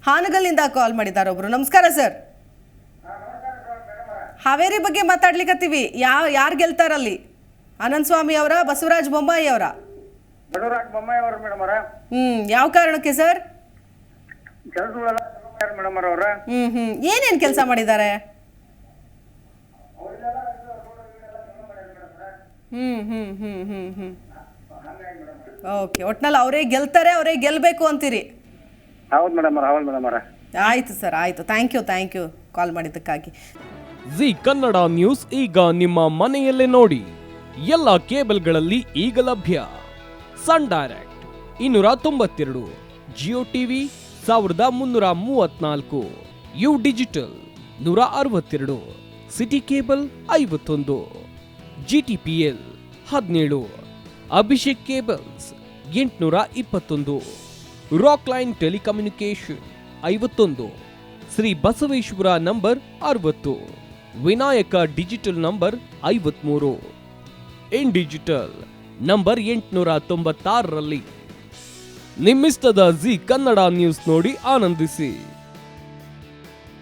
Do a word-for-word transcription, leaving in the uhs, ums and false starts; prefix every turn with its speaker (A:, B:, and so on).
A: ಹಾನಗಲ್ಲಿಂದ ಕಾಲ್ ಮಾಡಿದ್ದಾರೆ ಒಬ್ರು. ನಮಸ್ಕಾರ ಸರ್. ಹಾವೇರಿ ಬಗ್ಗೆ ಮಾತಾಡ್ಲಿಕ್ಕತ್ತೀವಿ. ಯಾವ ಯಾರು ಗೆಲ್ತಾರಲ್ಲಿ? ಆನಂದ್ ಸ್ವಾಮಿ ಅವರ, ಬಸವರಾಜ ಬೊಮ್ಮಾಯಿ ಅವರ?
B: ಬಸವರಾಜ ಬೊಮ್ಮಾಯಿ ಅವರು ಮೇಡಮ್ ಅವರ.
A: ಹ್ಮ್ ಯಾವ ಕಾರಣಕ್ಕೆ ಸರ್?
B: ಕೆಲಸಗಳೆಲ್ಲ ಮೇಡಮ್ ಅವರ.
A: ಹ್ಮ್ ಹ್ಮ್ ಏನೇನ್ ಕೆಲಸ ಮಾಡಿದ್ದಾರೆ? ಹ್ಮ್ ಹ್ಮ್ ಹ್ಮ್ ಹ್ಮ್ ಹ್ಮ್ ಓಕೆ, ಒಟ್ನಲ್ಲಿ ಅವರೇ ಗೆಲ್ತಾರೆ, ಅವರೇ ಗೆಲ್ಬೇಕು ಅಂತೀರಿ?
B: ಹೌದು ಮೇಡಮ್ ಅವರ, ಹೌದು ಮೇಡಮ್ ಅವರ.
A: ಆಯ್ತು ಸರ್, ಆಯ್ತು. Thank you thank you call ಮಾಡಿದ್ದಕ್ಕಾಗಿ.
C: ಜಿ ಕನ್ನಡ ನ್ಯೂಸ್ ಈಗ ನಿಮ್ಮ ಮನೆಯಲ್ಲೇ ನೋಡಿ. ಎಲ್ಲ ಕೇಬಲ್ಗಳಲ್ಲಿ ಈಗ ಲಭ್ಯ. ಸನ್ ಡೈರೆಕ್ಟ್ ಇನ್ನೂರ ತೊಂಬತ್ತೆರಡು, ಜಿಯೋ ಟಿವಿ ಸಾವಿರದ ಮುನ್ನೂರ ಮೂವತ್ನಾಲ್ಕು, ಯು ಡಿಜಿಟಲ್ ನೂರ ಅರವತ್ತೆರಡು, ಸಿಟಿ ಕೇಬಲ್ ಐವತ್ತೊಂದು, ಜಿಟಿಪಿಎಲ್ ಹದಿನೇಳು, ಅಭಿಷೇಕ್ ಕೇಬಲ್ಸ್ ಎಂಟುನೂರ ಇಪ್ಪತ್ತೊಂದು, ರಾಕ್ ಲೈನ್ ಟೆಲಿಕಮ್ಯುನಿಕೇಶನ್ ಐವತ್ತೊಂದು, ಶ್ರೀ ಬಸವೇಶ್ವರ ನಂಬರ್ ಅರವತ್ತು, ವಿನಾಯಕ ಡಿಜಿಟಲ್ ನಂಬರ್ ಐವತ್ಮೂರು, ಇನ್ ಡಿಜಿಟಲ್ ನಂಬರ್ ಎಂಟುನೂರ ತೊಂಬತ್ತಾರರಲ್ಲಿ. ನಿಮ್ಮಿಸ್ತದ ಜಿ ಕನ್ನಡ ನ್ಯೂಸ್ ನೋಡಿ ಆನಂದಿಸಿ.